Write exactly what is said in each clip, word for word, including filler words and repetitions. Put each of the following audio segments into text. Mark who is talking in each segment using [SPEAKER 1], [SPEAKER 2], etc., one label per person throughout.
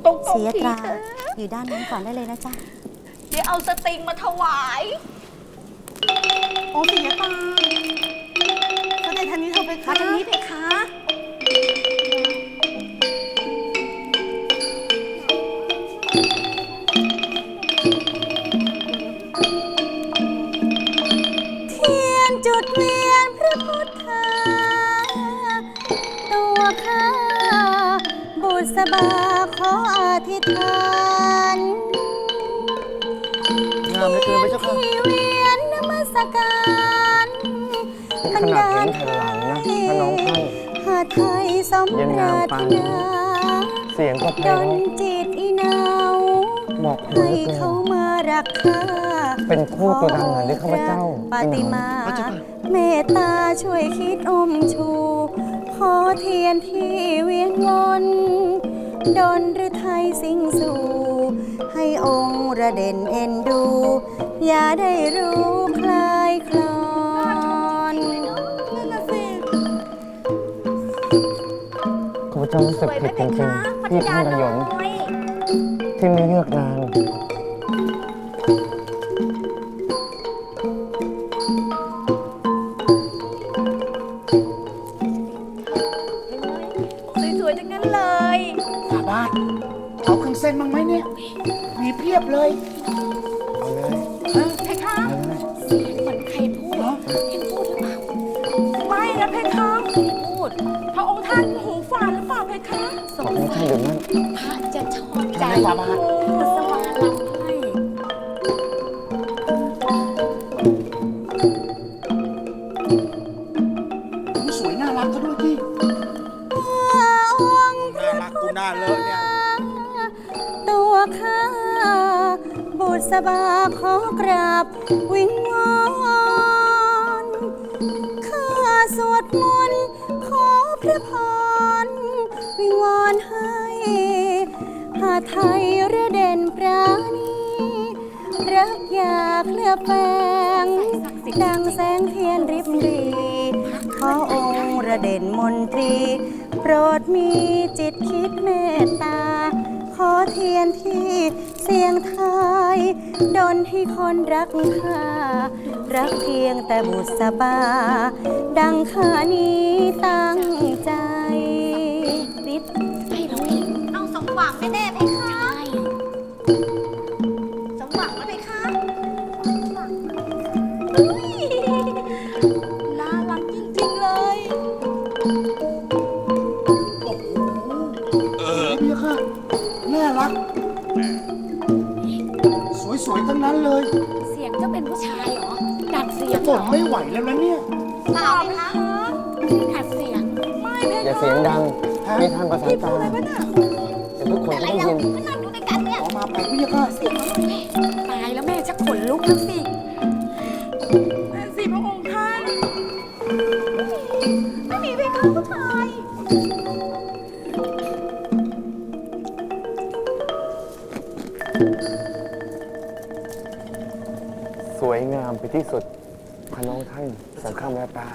[SPEAKER 1] ตรงๆ
[SPEAKER 2] เสียตรา
[SPEAKER 1] ทีเถอะ
[SPEAKER 2] อยู่ด้านนั้นก่อนได้เลยนะจ๊ะ
[SPEAKER 1] เดี๋ยวเอาสตริงมาถวาย
[SPEAKER 3] โอ้ปิยตาเสด็จทางนี้เธอไป
[SPEAKER 1] มา
[SPEAKER 3] ค่ะ
[SPEAKER 1] ทางนี้เพคะ
[SPEAKER 2] เทียนจุดเวียนพระพุทธาตัวข้าบุษบาขออธิษฐาน
[SPEAKER 4] งามเหลือเกินพระเจ้าค่ะ
[SPEAKER 2] ที่เวียนนมัสการ
[SPEAKER 4] ขนาดเห็นแผ่นหลังนะพระน้องท่าน
[SPEAKER 2] หาไทยสม
[SPEAKER 4] ยัง
[SPEAKER 2] ปราง
[SPEAKER 4] าม
[SPEAKER 2] ร
[SPEAKER 4] ปา
[SPEAKER 2] ถ
[SPEAKER 4] น
[SPEAKER 2] นา
[SPEAKER 4] เสียงก็เพ
[SPEAKER 2] ด
[SPEAKER 4] ราะ
[SPEAKER 2] นจิตอีนาว
[SPEAKER 4] เหมาะเหลื
[SPEAKER 2] ให้
[SPEAKER 4] อเกิ
[SPEAKER 2] เข้าน มารักข้า
[SPEAKER 4] เป็นคู่ตัวดังเหมือนที่ข้าพเจ้า
[SPEAKER 2] ปาติมา
[SPEAKER 4] พระเจ้าค่ะ
[SPEAKER 2] เมตตาช่วยคิดอมชู ขอเทียนที่เวียนวนดนหรือไทยสิงสู่ ให้องค์ระเด่นเอ็นดู อย่าได้รู้คลายคลอน
[SPEAKER 3] นั่นน่ะสิ
[SPEAKER 4] ข้าพเจ้ารู้สึกผิดจริงๆที่ท่านระยนที่ไม่เลือกนาง
[SPEAKER 1] สวยๆทั้งนั้นเลย
[SPEAKER 5] ฝาบาทเอาเครื่องเส้นบ้างไหมเนี่ย มีเพียบเลย
[SPEAKER 4] เอาเลย
[SPEAKER 1] เออเพคะ
[SPEAKER 4] เอาเลย
[SPEAKER 1] เสียงเหมือนใครพูดเห็นพูดหรือเปล่า ไม่นะเพคะพูด พระองค์ท่านหูฝาดหรือเปล่าเพคะ
[SPEAKER 4] ขอบคุณท่านเดี๋ยวนั้น
[SPEAKER 1] พระจะชอบใจ
[SPEAKER 5] ทำไมฝ่าบาท
[SPEAKER 1] กุศลาลำให้
[SPEAKER 5] สวยน่ารักก็ด้วยที่
[SPEAKER 2] องค์
[SPEAKER 5] น่ารักกูน่าเลอะเนี่ย
[SPEAKER 2] ตัวข้าบุษบาขอกราบวิงวอนข้าสวดมนต์ขอพระพรวิงวอนให้หาไทยระเด่นปราณีรักอยากเลือบแฝงดังแสงเทียนริบหรีขอองค์ระเด่นมนตรี โปรดมีจิตคิดเมตตา ขอเทียนที่เสียงไทยดนให้คนรักข้ารักเพียงแต่บุษบา ดังข้านี้ตั้งใจริบ
[SPEAKER 1] ให้เราเอง
[SPEAKER 2] เอาสมหวังแน่ๆเพคะ สมหวังแล้วเพคะ
[SPEAKER 1] น่ารักจริงๆเลย
[SPEAKER 5] เออพี่ค่ะ น่ารัก สวยๆ ทั้งนั้นเลย
[SPEAKER 1] เสียงเจะเป็นผู้ชายเหรอ ดัดเสีย
[SPEAKER 5] จะ
[SPEAKER 1] ง
[SPEAKER 5] บ่นไม่ไหวแล้วนะเนี่ย
[SPEAKER 2] เปล่าเพคะ
[SPEAKER 1] ดัดเสียง ไม่เพ
[SPEAKER 4] อย่า
[SPEAKER 1] คะ
[SPEAKER 4] เสียงดัง
[SPEAKER 5] ฮะ
[SPEAKER 4] มีท่านประสาน
[SPEAKER 1] พี่พู
[SPEAKER 4] ตา
[SPEAKER 1] ดอะไรวะน่ะ
[SPEAKER 4] เดี๋ยวทุกคนจะได้ยิน
[SPEAKER 2] ก็นั่งดูด้วยกันเนี่ย
[SPEAKER 5] ออกมาไปพี่ค่ะ
[SPEAKER 1] เสียงอะไรแม่ตายแล้วแม่จะขนลุกแล้วสิแม่สิพระองค์ท่านไม่มีเพคะผู้ชาย
[SPEAKER 4] สวยงามไปที่สุดพระน้องท่านสังฆแววตา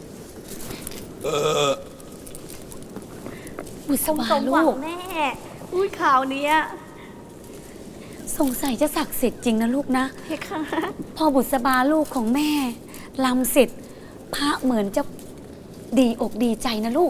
[SPEAKER 1] บุษ
[SPEAKER 2] สม
[SPEAKER 1] บา
[SPEAKER 2] หวั
[SPEAKER 1] ลู
[SPEAKER 2] ง
[SPEAKER 1] ก
[SPEAKER 2] แน่
[SPEAKER 1] อุ้ยข่าวเนี้ยสงสัยจะศักดิ์สิทธิ์จริงนะลูกนะ
[SPEAKER 2] เพคะ
[SPEAKER 1] พอบุษบาลูกของแม่ลำเสร็จพระเหมือนจะดีอกดีใจนะลูก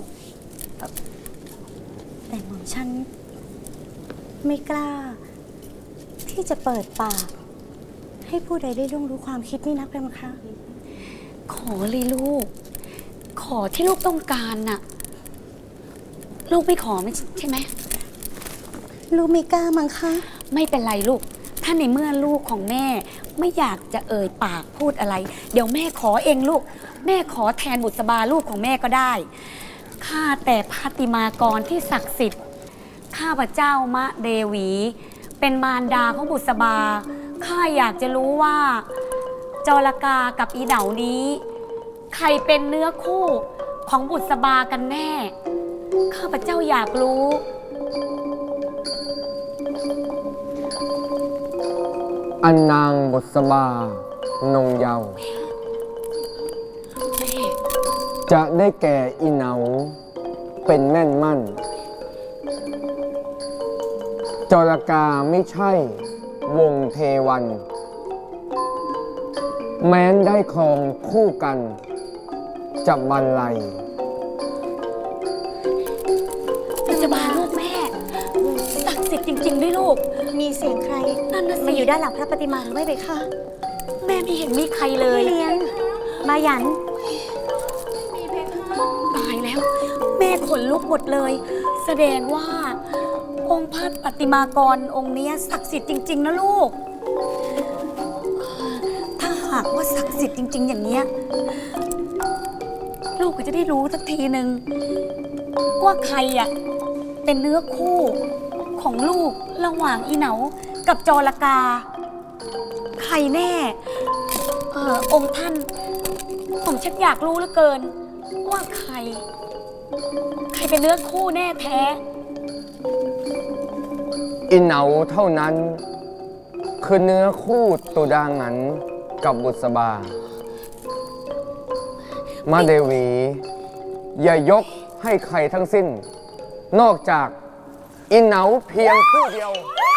[SPEAKER 2] แต่หม่อมฉันไม่กล้า ที่จะเปิดปาก ให้ผู้ใดได้ล่วงรู้ความคิดนี่นักเลยมั้งคะ
[SPEAKER 1] ขอเลยลูก ขอที่ลูกต้องการน่ะ ลูกไม่ขอไม่ใช่ไหม
[SPEAKER 2] ลูกไม่กล้ามั้งคะ
[SPEAKER 1] ไม่เป็นไรลูก ถ้าในเมื่อลูกของแม่ไม่อยากจะเอ่ยปากพูดอะไร เดี๋ยวแม่ขอเองลูก แม่ขอแทนบุษบาลูกของแม่ก็ได้ ข้าแต่พาติมากรที่ศักดิ์สิทธิ์ ข้าพเจ้ามะเดวี เป็นมารดาของบุษบา ข้าอยากจะรู้ว่า จรกากับอีเหนานี้ ใครเป็นเนื้อคู่ของบุษบากันแน่ ข้าพเจ้าอยากรู้
[SPEAKER 4] อันนางบุษบานงเยาว์จะได้แก่อีเหนาเป็นแม่นมั่นจรกาไม่ใช่วงเทวัน แม้นได้ครองคู่กันจะบรรลัย
[SPEAKER 1] บุษบาลูกแม่ศักดิ์สิทธิ์จริงๆด้วยลูก
[SPEAKER 2] มีเสียงใคร
[SPEAKER 1] นั่นน่ะสิ
[SPEAKER 2] มาอยู่ด้านหลังพระปฏิมาหรือไม่เบคะ
[SPEAKER 1] แม่ไม่เห็นมีใครเลย
[SPEAKER 2] พี่เลี้ยง มาหยัน
[SPEAKER 1] ตายแล้ว แม่ขนลุกหมดเลย แสดงว่า องค์พระปฏิมากรองค์เนี้ยศักดิ์สิทธิ์จริง ๆ นะลูก ถ้าหากว่าศักดิ์สิทธิ์จริง ๆ อย่างเนี้ยลูกก็จะได้รู้สักทีหนึ่งว่าใครอ่ะเป็นเนื้อคู่ของลูกระหว่างอีเหนากับจรกา ใครแน่ เออองค์ท่าน ผมชักอยากรู้เหลือเกิน ว่าใคร ใครเป็นเนื้อคู่แน่แท้
[SPEAKER 4] อินเหนาเท่านั้น คือเนื้อคู่ตุดางันกับบุษบา มาเดวี อย่ายกให้ใครทั้งสิ้น นอกจากอินเหนาเพียงผู้เดียว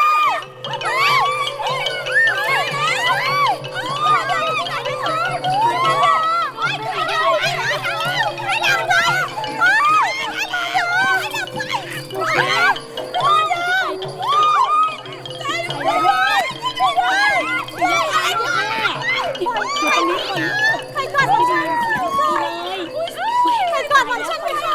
[SPEAKER 2] ใครก่อนของฉันใครก่อนของฉันไปคะ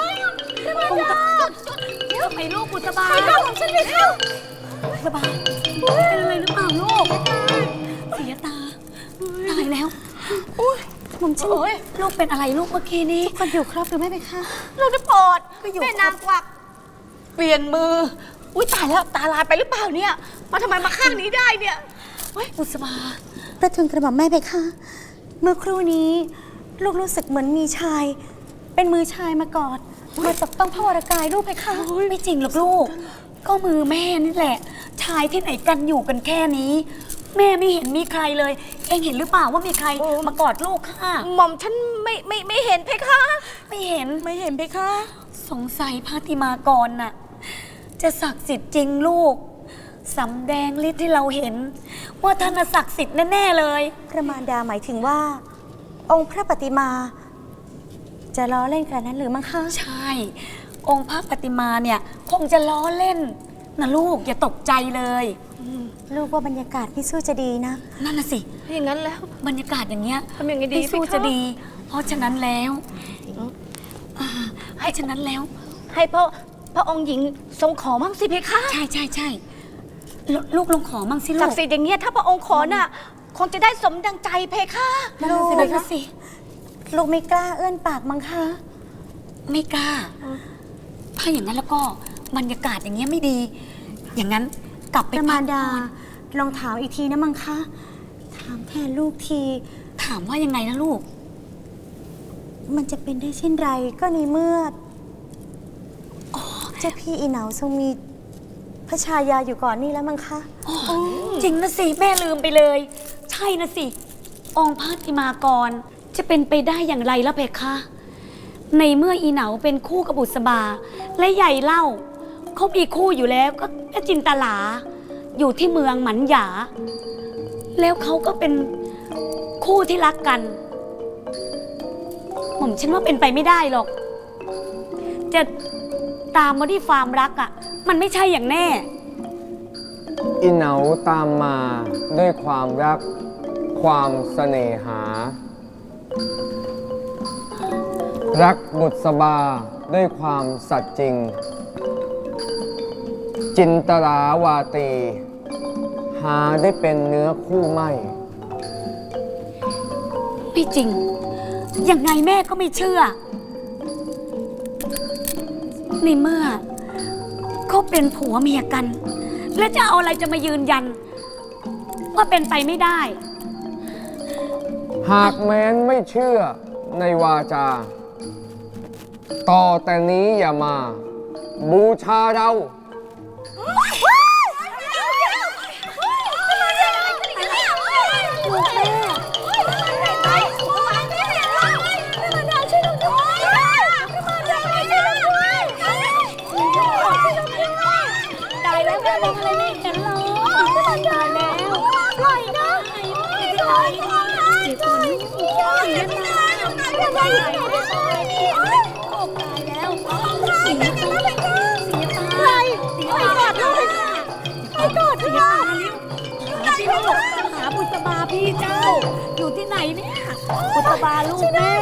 [SPEAKER 1] ทำไมลูกบุษบา
[SPEAKER 2] ใครก่อนของฉันไปคะ
[SPEAKER 1] บุษบาเป็นอะไรหรือเปล่าลูก เสียตา ตายแล้ว
[SPEAKER 2] ผมฉัน
[SPEAKER 1] ลูกเป็นอะไรลูกเมื่อกี้นี้
[SPEAKER 2] คนอยู่ครอบหรือไม่ไปคะ
[SPEAKER 3] เราจะโปรด
[SPEAKER 1] ไม่อยู่
[SPEAKER 3] แม่นางกวัก เปลี่ยนมือ อุ้ยตายแล้วตาลายไปหรือเปล่าเนี่ย มาทำไมมาข้างนี้ได้เนี่ย
[SPEAKER 1] บุษบา
[SPEAKER 2] ประทุนกระหม่อมแม่ไปคะเมื่อครู่นี้ ลูกรู้สึกเหมือนมีชาย เป็นมือชายมากอดมาตบต้องพระวรกายลูกไปคะ
[SPEAKER 1] ไม่จริงหรอกลูก ก็มือแม่นี่แหละ ชายที่ไหนกันอยู่กันแค่นี้ แม่ไม่เห็นมีใครเลย เองเห็นหรือเปล่าว่ามีใครมากอดลูกค่ะ
[SPEAKER 3] หม่อมฉันไม่ไม่ไม่เห็นเพคะ
[SPEAKER 1] ไม่เห็น
[SPEAKER 3] ไม่เห็นเพคะ
[SPEAKER 1] สงสัยพระติมากรน่ะ จะศักดิ์สิทธิ์จริงลูกสำแดงฤทธิ์ที่เราเห็น ว่าท่านน่ะศักดิ์สิทธิ์แน่ๆเลย
[SPEAKER 2] พระมารดาหมายถึงว่า องค์พระปฏิมา จะล้อเล่นกันนั้นหรือมั้งคะ
[SPEAKER 1] ใช่ องค์พระปฏิมาเนี่ย คงจะล้อเล่นนะลูกอย่าตกใจเลย
[SPEAKER 2] ลูกว่าบรรยากาศพี่สู้จะดีนะ
[SPEAKER 1] นั่นน่ะสิ
[SPEAKER 3] อย่างนั้นแล้ว
[SPEAKER 1] บรรยากาศอย่างเงี้ย
[SPEAKER 3] ทำยังไงดี
[SPEAKER 1] พี่สู้
[SPEAKER 3] พี่คะ
[SPEAKER 1] จะดี เพราะฉะนั้นแล้วอ่าให้ฉะนั้นแล้ว
[SPEAKER 3] ให้พระพระองค์หญิงทรงขอมั่งสิเพคะ
[SPEAKER 1] ใช่ใช่ใช่ลลูกลองขอมั่งสิลู
[SPEAKER 3] ศั
[SPEAKER 1] ก
[SPEAKER 3] กดิ์สิทธิ์อย่างเงี้ยถ้าพระองค์ขอน่ะ คงจะได้สมดังใจเพคะ
[SPEAKER 1] นั่นน่ะสิ
[SPEAKER 2] ลูก
[SPEAKER 1] นั่นน่ะสิ
[SPEAKER 2] ลูกไม่กล้าเอื้อนปากมั้งคะ
[SPEAKER 1] ไม่กล้า ถ้าอย่างนั้นแล้วก็บรรยากาศอย่างเงี้ยไม่ดี อย่างนั้นกลับ
[SPEAKER 2] พ
[SPEAKER 1] ไป
[SPEAKER 2] ระมารดา
[SPEAKER 1] พักผ่อน
[SPEAKER 2] ลองถามอีกทีนะมังคะ ถามแทนลูกที
[SPEAKER 1] ถามว่ายังไงนะลูก
[SPEAKER 2] มันจะเป็นได้เช่นไรก็ในเมื่อเจ้าพี่อีเหนาทรงมีพระชายาอยู่ก่อนนี่แล้วมั้งคะ
[SPEAKER 1] จริงนะสิ แม่ลืมไปเลย ใช่นะสิ องค์พระติมากรจะเป็นไปได้อย่างไรแล้วเพคะ ในเมื่ออีเหนาเป็นคู่กับบุษบา และใหญ่เล่าเขามีคู่อยู่แล้วก็แม่จินตลา อยู่ที่เมืองหมันหยา แล้วเขาก็เป็นคู่ที่รักกันผมฉันว่าเป็นไปไม่ได้หรอก จะตามมาที่ฟาร์มรักอ่ะ มันไม่ใช่อย่างแน่
[SPEAKER 4] อินเหนาตามมาด้วยความรัก ความเสน่หา รักบุษบาด้วยความสัตย์จริง จินตลาวาตี หาได้เป็นเนื้อคู่ไม่
[SPEAKER 1] ไม่จริง ยังไงแม่ก็ไม่เชื่อ ในเมื่อเขาเป็นผัวเมียกัน แล้วจะเอาอะไรจะมายืนยัน ว่าเป็นไปไม่ได้
[SPEAKER 4] หากแม้นไม่เชื่อในวาจา ต่อแต่นี้อย่ามา บูชาเรา
[SPEAKER 1] ตายแล้วแม่มองอะไรไม่เห็นเลยตายแล้วปล่อยนะปล่อยปล่อยปล่อยปล่อยยังไงปล่อยตายแล้วเสียตาเสียตาเสียตาเลยไปกอดเสียตาเร็วพี่ลูกหาบุษบาพี่เจ้าอยู่ที่ไหนเนี่ยบุษบาลูกแม่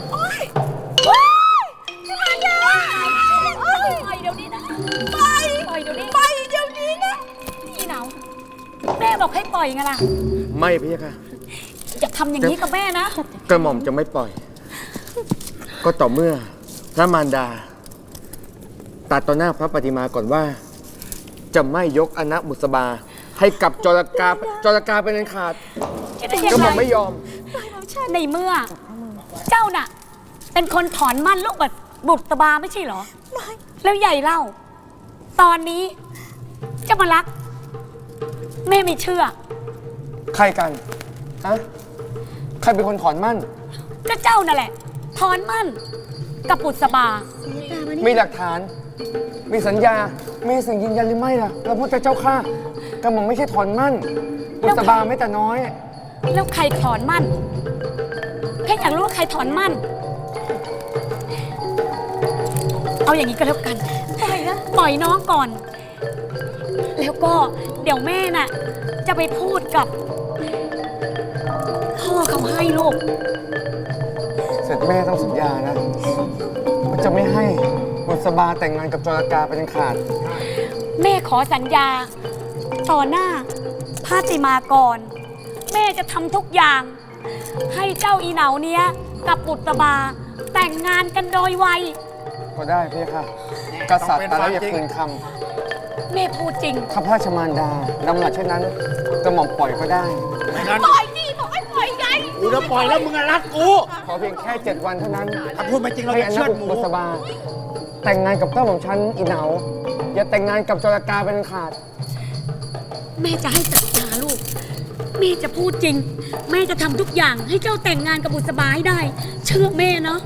[SPEAKER 1] ปล่อยเดี๋ยวนี้นะปล่อยปล่อยเดี๋ยวนี้ปล่อยเดี๋ยวนี้นะพี่หนาวแม่บอกให้ปล่อยไงล่ะ
[SPEAKER 4] ไม่พี่ค่ะ
[SPEAKER 1] อย่าทำอย่างนี้กับแม่นะ
[SPEAKER 4] กระหม่อมจะไม่ปล่อย ก็ต่อเมื่อพระมารดาตัดต่อหน้าพระปฏิมาก่อนว่า จะไม่ยกอนะบุษบาให้กับจรกาจรกาเป็นอันขาดกระหม่อมไม่ยอม
[SPEAKER 1] ในเมื่อ เจ้าน่ะ เป็นคนถอนมั่นลูกแบบบุตรบาไม่ใช่เหรอ แล้วใหญ่เล่า ตอนนี้จะมารัก แม่ไม่เชื่อ
[SPEAKER 4] ใครกันฮะใครเป็นคนถอนมั่น
[SPEAKER 1] ก็เจ้านั่นแหละ ถอนมั่น กับบุตรบา
[SPEAKER 4] มีหลักฐาน มีสัญญา มีสิ่งยืนยันหรือไม่ล่ะพระพุทธเจ้าข้า กระหม่อมไม่ใช่ถอนมั่นบุษบาไม่แต่น้อย
[SPEAKER 1] แล้วใครถอนมั่นแค่อยากรู้ว่าใครถอนมั่น เอาอย่างนี้ก็แล้วกัน ปล่อยนะปล่อยน้องก่อน แล้วก็เดี๋ยวแม่น่ะ จะไปพูดกับพ่อเขาให้ลูก
[SPEAKER 4] เสร็จแม่ต้องสัญญานะว่าจะไม่ให้บุษบาแต่งงานกับจรกาเป็นอันขาด
[SPEAKER 1] แม่ขอสัญญา ต่อหน้าพาติมากร แม่จะทำทุกอย่าง ให้เจ้าอีเหนาเนี้ย กับบุตรบา แต่งงานกันโดยไว
[SPEAKER 4] ก็ได้พี่ค่ะ กษัตริย์ตายแล้วอย่าคืนค
[SPEAKER 1] แม่พูดจริง
[SPEAKER 4] ำข้าพระราชมารดาดำหนักเช่นนั้นกระหม่อมปล่อยก็ได้
[SPEAKER 5] ไม่งั้น
[SPEAKER 3] ปล่อยดิบอกให้ปล่อยไง
[SPEAKER 5] กูจะปล่อยแล้วมึงอะรัดกู
[SPEAKER 4] ขอเพียงแค่เจ็ดวันเท่านั้น
[SPEAKER 5] ถ้าพูดไม่จริงเรา
[SPEAKER 4] ให้
[SPEAKER 5] จะ
[SPEAKER 4] อ
[SPEAKER 5] เชื
[SPEAKER 4] นะ
[SPEAKER 5] อดหมู
[SPEAKER 4] บุษบา แต่งงานกับเจ้าของฉันอีเหนา อย่าแต่งงานกับจรกาเป็นอันขาด
[SPEAKER 1] แม่จะให้สัญญาลูก แม่จะพูดจริง แม่จะทำทุกอย่างให้เจ้าแต่งงานกับบุษบาให้ได้ เชื่อแม่เนาะ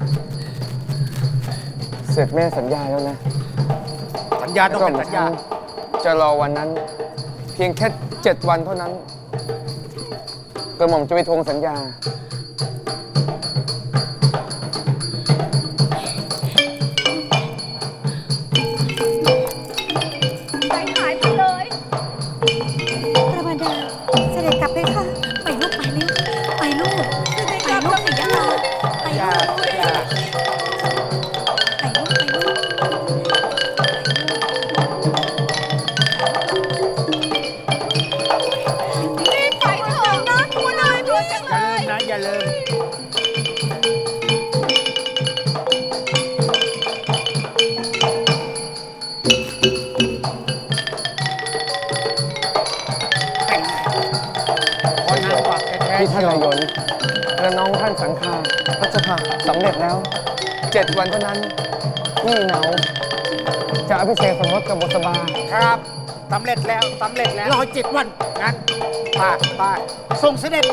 [SPEAKER 4] เสร็จแม่สัญญาแล้วนะ
[SPEAKER 5] สัญญาต้องเป็นสัญญา
[SPEAKER 4] จะรอวันนั้น เพียงแค่เจ็ดวันเท่านั้นกระหม่อมจะไปทวงสัญญา
[SPEAKER 3] ใจหายไปเลย
[SPEAKER 2] พระมารดาเสด็จกลับไปค่ะ
[SPEAKER 1] ไปลูกไปเร็วไปลูกไปลูกสิยะลาไป
[SPEAKER 5] อย่า
[SPEAKER 1] ลูก
[SPEAKER 5] อย่า
[SPEAKER 1] ไปลูกไปลูก
[SPEAKER 3] รีบไปเถอะนะตัวน้อยตัวจัง
[SPEAKER 5] อ
[SPEAKER 3] เล
[SPEAKER 5] ย่าลืม
[SPEAKER 3] ย
[SPEAKER 5] นะอย่าลืม ขอนางกวักแท้
[SPEAKER 4] ที่
[SPEAKER 5] ๆ
[SPEAKER 4] ท่านนายนและน้องท่านสังฆาพระเจ้าค่ะสำเร็จแล้วเจ็ดวันเท่านั้นที่เหนาจะอภิเษกสมรสกับบุษบา
[SPEAKER 5] ครับสำเร็จแล้วสำเร็จแล้วรอเจ็ดวันงั้นปากปากส่งเสด็จ